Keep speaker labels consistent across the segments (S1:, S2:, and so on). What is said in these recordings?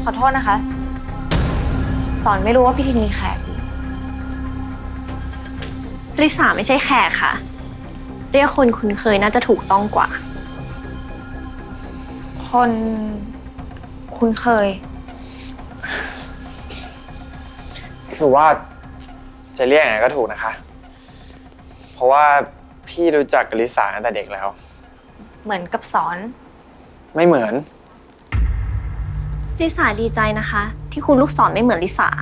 S1: อโทษนะคะ สอนไม่รู้ว่าพี่ทินมีแขก
S2: ริสาไม่ใช่แขกค่ะเรียกคนคุ้นเคยน่าจะถูกต้องกว่า
S1: คนคุ้นเคย
S3: คือว่าจะเรียกยังไงก็ถูกนะคะ เพราะว่าพี่รู้จักกับลิสาตั้งแต่เด็กแล้ว
S1: เหมือนกับสอน
S3: ไม่เหมือน
S2: ลิสาดีใจนะคะที่คุณลูกศรไม่เหมือนลิสา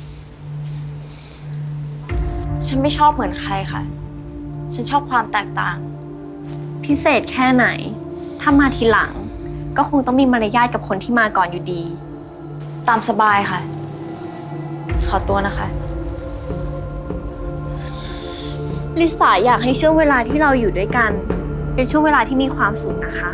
S1: ฉันไม่ชอบเหมือนใครค่ะฉันชอบความแตกต่าง
S2: พิเศษแค่ไหนถ้ามาทีหลังก็คงต้องมีมารยาทกับคนที่มาก่อนอยู่ดี
S1: ตามสบายค่ะขอตัวนะคะ
S2: ลิสาอยากให้ช่วงเวลาที่เราอยู่ด้วยกันเป็นช่วงเวลาที่มีความสุขนะคะ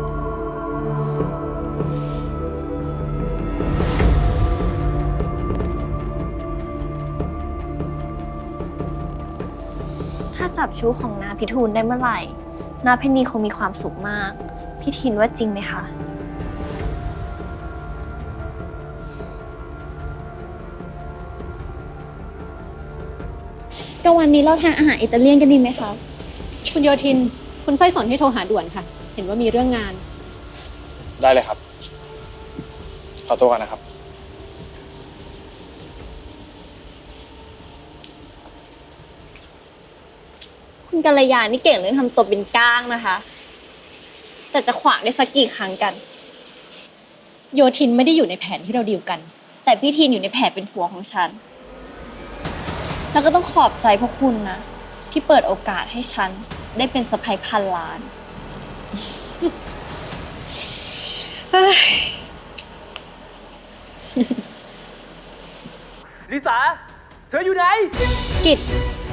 S2: ถ้าจับชู้ของนาพิทูลได้เมื่อไหร่นาเพนนีคงมีความสุขมากพี่ทินว่าจริงไหมคะ
S4: ก็วันนี้เราทานอาหารอิตาเลียนกันดีไหมคะ
S5: คุณโยธินคุณไส้สนให้โทรหาด่วนค่ะเห็นว่ามีเรื่องงาน
S3: ได้เลยครับขอตัวก่อนนะครับ
S4: คุณกัลยานี่เก่งเรื่องทำตัวเป็นก้างนะคะแต่จะขวางได้สักกี่ครั้งกัน
S5: โยธินไม่ได้อยู่ในแผนที่เราดีลกัน
S4: แต่พี่ทีนอยู่ในแผนเป็นผัวของฉันแล้วก็ต้องขอบใจพวกคุณนะที่เปิดโอกาสให้ฉันได้เป็นสะใภ้พันล้าน
S6: ลิสาเธออยู่ไหน
S4: กิจ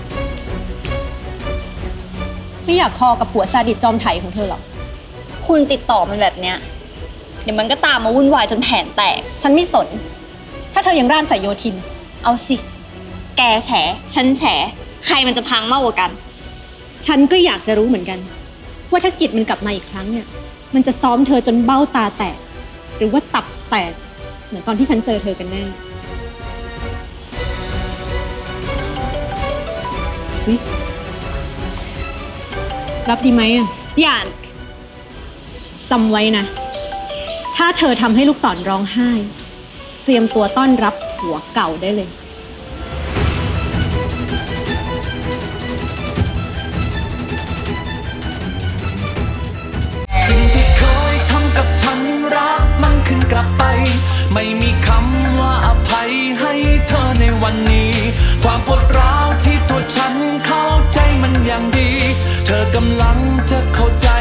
S5: ไม่อยากคอกับผัวซาดิสจอมไถของเธอหรอก
S4: คุณติดต่อมันแบบเนี้ยเดี๋ยวมันก็ตามมาวุ่นวายจนแผนแตก
S5: ฉันไม่สนถ้าเธอยังร่านใส่โยธิน
S4: เอาสิแกแฉฉันแฉใครมันจะพังมากกว่ากัน
S5: ฉันก็อยากจะรู้เหมือนกันว่าถ้ากิจมันกลับมาอีกครั้งเนี่ยมันจะซ้อมเธอจนเบ้าตาแตกหรือว่าตับแตกเหมือนตอนที่ฉันเจอเธอกันแน่รับดีไหมอ่ะ
S4: อย่า
S5: จำไว้นะถ้าเธอทำให้ลูกศรร้องไห้เตรียมตัวต้อนรับผัวเก่าได้เลย
S7: สิ่งที่เคยทำกับฉันรักมันขึ้นกลับไปไม่มีคำว่าอภัยให้เธอในวันนี้ความปวดร้าวที่ตัวฉันเข้าใจมันอย่างดีเธอกำลังจะเข้าใจ